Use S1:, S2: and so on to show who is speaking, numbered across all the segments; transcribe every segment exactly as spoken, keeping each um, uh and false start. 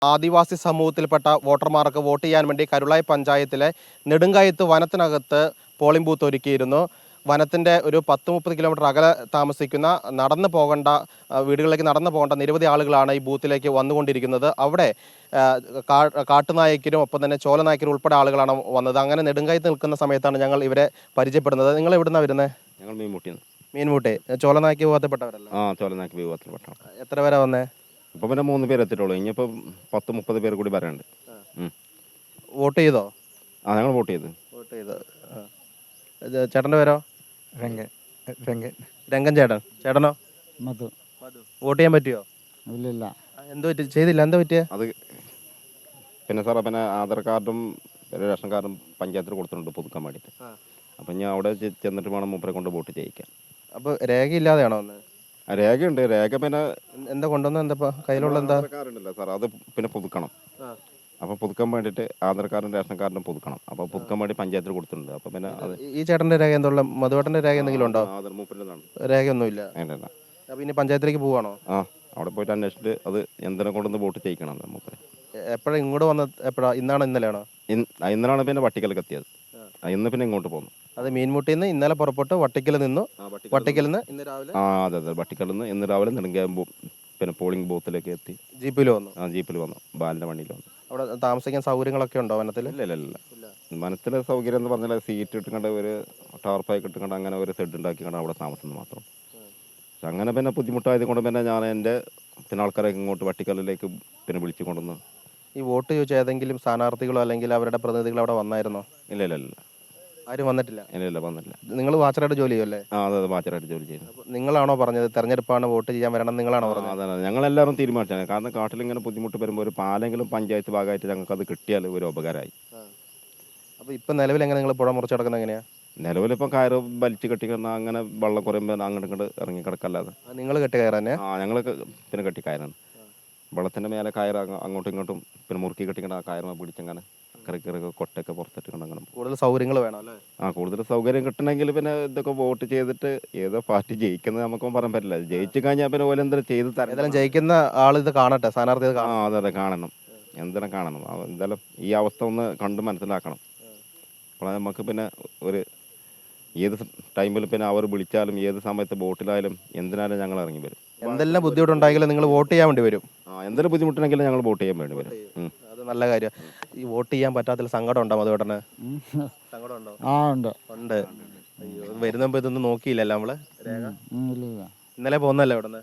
S1: ആദിവാസി സമൂഹത്തിൽപ്പെട്ട വോട്ടർമാർക്ക് വോട്ട് ചെയ്യാൻ വേണ്ടി കരുളായി പഞ്ചായത്തിലെ നെടുങ്കായത്ത് വനത്തിനകത്ത് പോളിംഗ് ബൂത്ത് ഒരുക്കിയിരുന്നു. വനത്തിൻ്റെ ഒരു പത്ത് മുപ്പത് കിലോമീറ്റർ അകലെ താമസിക്കുന്ന നടന്നു പോകേണ്ട വീടുകളിലേക്ക് നടന്നു പോകേണ്ട നിരവധി ആളുകളാണ് ഈ ബൂത്തിലേക്ക് വന്നുകൊണ്ടിരിക്കുന്നത്. അവിടെ കാട്ടുനായ്ക്കരും ഒപ്പം തന്നെ ചോലനായ്ക്കരും ഉൾപ്പെടെ ആളുകളാണ് വന്നത്. അങ്ങനെ നെടുങ്കായത്ത് നിൽക്കുന്ന സമയത്താണ് ഞങ്ങൾ ഇവരെ പരിചയപ്പെടുന്നത്. നിങ്ങൾ എവിടുന്നാണ് വരുന്നത്?
S2: ഞങ്ങൾ മീൻമുട്ടിന്ന്.
S1: മീൻമുട്ടി ചോലനായ്ക്ക് വിഭാഗത്തിൽപ്പെട്ടവരല്ല?
S2: ആ, ചോലനായ്ക്ക് വിഭാഗത്തിൽപ്പെട്ട.
S1: എത്ര പേരാ വന്നേ?
S2: ഇപ്പം പിന്നെ മൂന്ന് പേര് എത്തിയിട്ടുള്ളൂ. ഇനിയിപ്പോൾ പത്ത് മുപ്പത് പേര് കൂടി വരാനുണ്ട്.
S1: വോട്ട് ചെയ്തോ?
S2: ആ, ഞങ്ങൾ വോട്ട് ചെയ്ത്
S1: വോട്ട് ചെയ്തോ ചേട്ടൻ്റെ പേരോ?
S3: രംഗൻ. രംഗൻ
S1: രംഗൻ ചേട്ടൻ. ചേട്ടനോ?
S3: മധു.
S1: വോട്ട് ചെയ്യാൻ പറ്റിയോ?
S3: ഇല്ലില്ല.
S1: എന്തോ പറ്റി? ചെയ്തില്ല. എന്താ പറ്റിയ?
S2: അത് പിന്നെ സാറേ, പിന്നെ ആധാർ കാർഡും റേഷൻ കാർഡും പഞ്ചായത്തിൽ കൊടുത്തിട്ടുണ്ട് പുതുക്കാൻ വേണ്ടിയിട്ട്. അപ്പം ഞാൻ അവിടെ ചെന്നിട്ട് വേണം മൂപ്പരെ കൊണ്ട് വോട്ട് ചെയ്യിക്കാൻ.
S1: അപ്പോൾ രേഖയില്ലാതെയാണോ വന്നത്?
S2: രേഖയുണ്ട്. രേഖ പിന്നെ
S1: എന്താ കൊണ്ടുവന്നത്? എന്താ കയ്യിലുള്ള എന്താ?
S2: ആധാർ കാർഡ് ഉണ്ടല്ലോ സാർ, അത് പിന്നെ പുതുക്കണം. അപ്പോൾ പുതുക്കാൻ വേണ്ടിയിട്ട് ആധാർ കാർഡും റേഷൻ കാർഡും പുതുക്കണം. അപ്പോൾ പുതുക്കാൻ വേണ്ടി പഞ്ചായത്തിൽ കൊടുത്തിട്ടുണ്ട്. അപ്പോൾ പിന്നെ അത്
S1: ഈ ചേട്ടൻ്റെ രേഖ എന്തുള്ള? മധുവേട്ടൻ്റെ രേഖ എന്തെങ്കിലും ഉണ്ടോ?
S2: ആധാർ മൂപ്പരിൻ്റെതാണ്.
S1: രേഖയൊന്നുമില്ല.
S2: വേണ്ടല്ല.
S1: അപ്പോൾ ഇനി പഞ്ചായത്തിലേക്ക് പോവാണോ?
S2: ആ, അവിടെ പോയിട്ട് അന്വേഷിച്ചിട്ട് അത് എന്തിനെ കൊണ്ടുവന്ന് വോട്ട് ചെയ്യിക്കണം മൂപ്പര്.
S1: എപ്പോഴാണ് ഇങ്ങോട്ട് വന്നത്? എപ്പോഴാണ്? ഇന്നാണോ ഇന്നലെയാണോ?
S2: ഇന്നലാണ് പിന്നെ വട്ടിക്കലേക്ക് എത്തിയത്. ഇന്ന് പിന്നെ ഇങ്ങോട്ട് പോകുന്നു.
S1: അത് മീൻമുട്ടിയിൽ നിന്ന് ഇന്നലെ പുറപ്പെട്ട് വട്ടിക്കൽ നിന്നു. വട്ടിക്കൽ നിന്ന് ഇന്ന് രാവിലെ
S2: ആ അതെ അതെ വട്ടിക്കൽ നിന്ന് ഇന്ന് രാവിലെ നെടുങ്കായം പിന്നെ പോളിംഗ് ബൂത്തിലേക്ക് എത്തി.
S1: ജീപ്പിൽ വന്നു?
S2: ആ, ജീപ്പിൽ വന്നു. ബാലിൻ്റെ വണ്ടിയിൽ വന്നു.
S1: അവിടെ താമസിക്കാൻ സൗകര്യങ്ങളൊക്കെ ഉണ്ടോ വനത്തിൽ?
S2: ഇല്ല ഇല്ല ഇല്ല. വനത്തിലെ സൗകര്യം എന്ന് പറഞ്ഞാൽ സീറ്റ് ഇട്ടുകൊണ്ട് ഒരു ടാർപ്പായി ഇട്ടുകൊണ്ട് അങ്ങനെ ഒരു സെഡ് ഉണ്ടാക്കിക്കൊണ്ട് അവിടെ താമസം മാത്രം. പക്ഷെ അങ്ങനെ പിന്നെ ബുദ്ധിമുട്ടായത് കൊണ്ട് പിന്നെ ഞാൻ എൻ്റെ പിന്നെ ആൾക്കാരെ ഇങ്ങോട്ട് വട്ടിക്കലിലേക്ക് പിന്നെ വിളിച്ചു കൊണ്ടുവന്ന്.
S1: ഈ വോട്ട് ചോദിച്ച ഏതെങ്കിലും സ്ഥാനാർത്ഥികളോ അല്ലെങ്കിൽ അവരുടെ പ്രതിനിധികളോ അവിടെ വന്നായിരുന്നോ?
S2: ഇല്ല ഇല്ല ഇല്ല.
S1: ആരും വന്നിട്ടില്ല?
S2: ഇല്ല ഇല്ല വന്നിട്ടില്ല.
S1: നിങ്ങൾ വാച്ചറായിട്ട് ജോലി ചെയ്യുമല്ലേ?
S2: ആ അതെ അതെ, വാച്ചറായിട്ട് ജോലി ചെയ്യുന്നു.
S1: നിങ്ങളാണോ പറഞ്ഞത് തെരഞ്ഞെടുപ്പാണ് വോട്ട് ചെയ്യാൻ വരണം നിങ്ങളാണോ പറഞ്ഞത്?
S2: അതെ, ഞങ്ങളെല്ലാവരും തീരുമാനിച്ചാണ്. കാരണം കാട്ടിലിങ്ങനെ ബുദ്ധിമുട്ട് വരുമ്പോൾ ഒരു പാലെങ്കിലും പഞ്ചായത്ത് ഭാഗമായിട്ട് ഞങ്ങൾക്ക് അത് കിട്ടിയാൽ ഒരു ഉപകാരമായി.
S1: അപ്പോൾ ഇപ്പം നിലവിൽ എങ്ങനെ നിങ്ങൾ പുഴ മുറിച്ച് കിടക്കുന്നത് എങ്ങനെയാണ്?
S2: നിലവിലിപ്പോൾ കയറ് വലിച്ച് കെട്ടിക്കുന്ന അങ്ങനെ വെള്ളം കുറയുമ്പോൾ അങ്ങോട്ട് ഇങ്ങോട്ട് ഇറങ്ങി കിടക്കല്ലാതെ.
S1: നിങ്ങൾ കെട്ടി കയറാൻ?
S2: ആ, ഞങ്ങൾ പിന്നെ കെട്ടി കയറാണ്. വെള്ളത്തിൻ്റെ മേലെ കയറ് അങ്ങോട്ടും ഇങ്ങോട്ടും പിന്നെ മുറുക്കി കെട്ടിക്കൊണ്ട് ആ കയറുമ പിടിച്ചങ്ങനെ കറിക്കറൊക്കെ കൊട്ടൊക്കെ പുറത്തിട്ട് അങ്ങനെ.
S1: കൂടുതൽ സൗകര്യങ്ങൾ വേണം അല്ലേ?
S2: ആ, കൂടുതൽ സൗകര്യം കിട്ടണമെങ്കിൽ പിന്നെ ഇതൊക്കെ വോട്ട് ചെയ്തിട്ട് ഏതോ പാർട്ടി ജയിക്കുന്നത് നമുക്കൊന്നും പറയാൻ പറ്റില്ല. ജയിച്ചു കഴിഞ്ഞാൽ പിന്നെ ഓരോ എന്തെങ്കിലും ചെയ്ത് തരാം.
S1: ജയിക്കുന്ന ആൾ ഇത് കാണട്ടെ, സ്ഥാനാർത്ഥി.
S2: ആ അതെ അതെ, കാണണം. എന്തെങ്കിലും കാണണം. എന്തായാലും ഈ അവസ്ഥ ഒന്ന് കണ്ട് മനസ്സിലാക്കണം. അപ്പോൾ നമുക്ക് പിന്നെ ഒരു ഏത് ടൈമിൽ പിന്നെ അവർ വിളിച്ചാലും ഏത് സമയത്ത് ബോട്ടിലായാലും എന്തിനായാലും ഞങ്ങൾ ഇറങ്ങി വരും.
S1: എന്തെല്ലാം ബുദ്ധിമുട്ടുണ്ടെങ്കിലും നിങ്ങൾ വോട്ട് ചെയ്യാൻ വേണ്ടി വരും.
S2: ആ, എന്തെങ്കിലും ബുദ്ധിമുട്ടുണ്ടെങ്കിലും ഞങ്ങൾ വോട്ട് ചെയ്യാൻ വേണ്ടി വരും.
S1: അത് നല്ല കാര്യം. ഈ വോട്ട് ചെയ്യാൻ പറ്റാത്ത സങ്കടം ഉണ്ടോ മധുവേട്ടന്? സങ്കടം ഉണ്ടോ?
S3: ആ ഉണ്ട്
S1: ഉണ്ട്. അയ്യോ, വരുന്നപ്പോൾ ഇതൊന്നും നോക്കിയില്ലല്ലോ നമ്മള്. രേഖ ഇന്നലെ പോകുന്നല്ലേ ഇവിടെ നിന്ന്?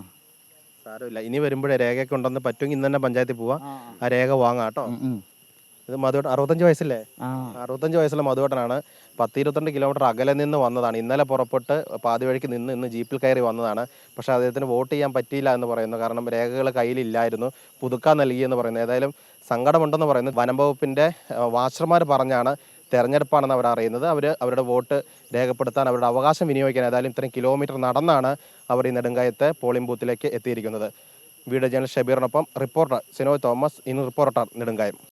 S1: സാരമില്ല, ഇനി വരുമ്പോഴേ രേഖയൊക്കെ ഉണ്ടെന്ന് പറ്റുമെങ്കിൽ ഇന്ന് തന്നെ പഞ്ചായത്തിൽ പോവാം. ആ രേഖ വാങ്ങാം കേട്ടോ. ഇത് മധുവേട്ടൻ അറുപത്തഞ്ച് വയസ്സില്ലേ? അറുപത്തഞ്ച് വയസ്സുള്ള മധുവേട്ടനാണ്. പത്ത് ഇരുപത്തിരണ്ട് കിലോമീറ്റർ അകലെ നിന്ന് വന്നതാണ്. ഇന്നലെ പുറപ്പെട്ട് പാതി വഴിക്ക് നിന്ന് ഇന്ന് ജീപ്പിൽ കയറി വന്നതാണ്. പക്ഷേ അദ്ദേഹത്തിന് വോട്ട് ചെയ്യാൻ പറ്റിയില്ല എന്ന് പറയുന്നു. കാരണം രേഖകൾ കയ്യിലില്ലായിരുന്നു, പുതുക്കാൻ നൽകിയെന്ന് പറയുന്നു. ഏതായാലും സങ്കടമുണ്ടെന്ന് പറയുന്നു. വനം വകുപ്പിൻ്റെ വാച്ചർമാർ പറഞ്ഞാണ് തെരഞ്ഞെടുപ്പാണെന്ന് അവർ അറിയുന്നത്. അവർ അവരുടെ വോട്ട് രേഖപ്പെടുത്താൻ അവരുടെ അവകാശം വിനിയോഗിക്കാൻ ഏതായാലും ഇത്രയും കിലോമീറ്റർ നടന്നാണ് അവർ ഈ നെടുങ്കായത്തെ പോളിംഗ് ബൂത്തിലേക്ക് എത്തിയിരിക്കുന്നത്. വീഡിയോ ജേർണലിസ്റ്റ് ഷബീറിനൊപ്പം reporter Sinoy Thomas, in reporter നെടുങ്കായം.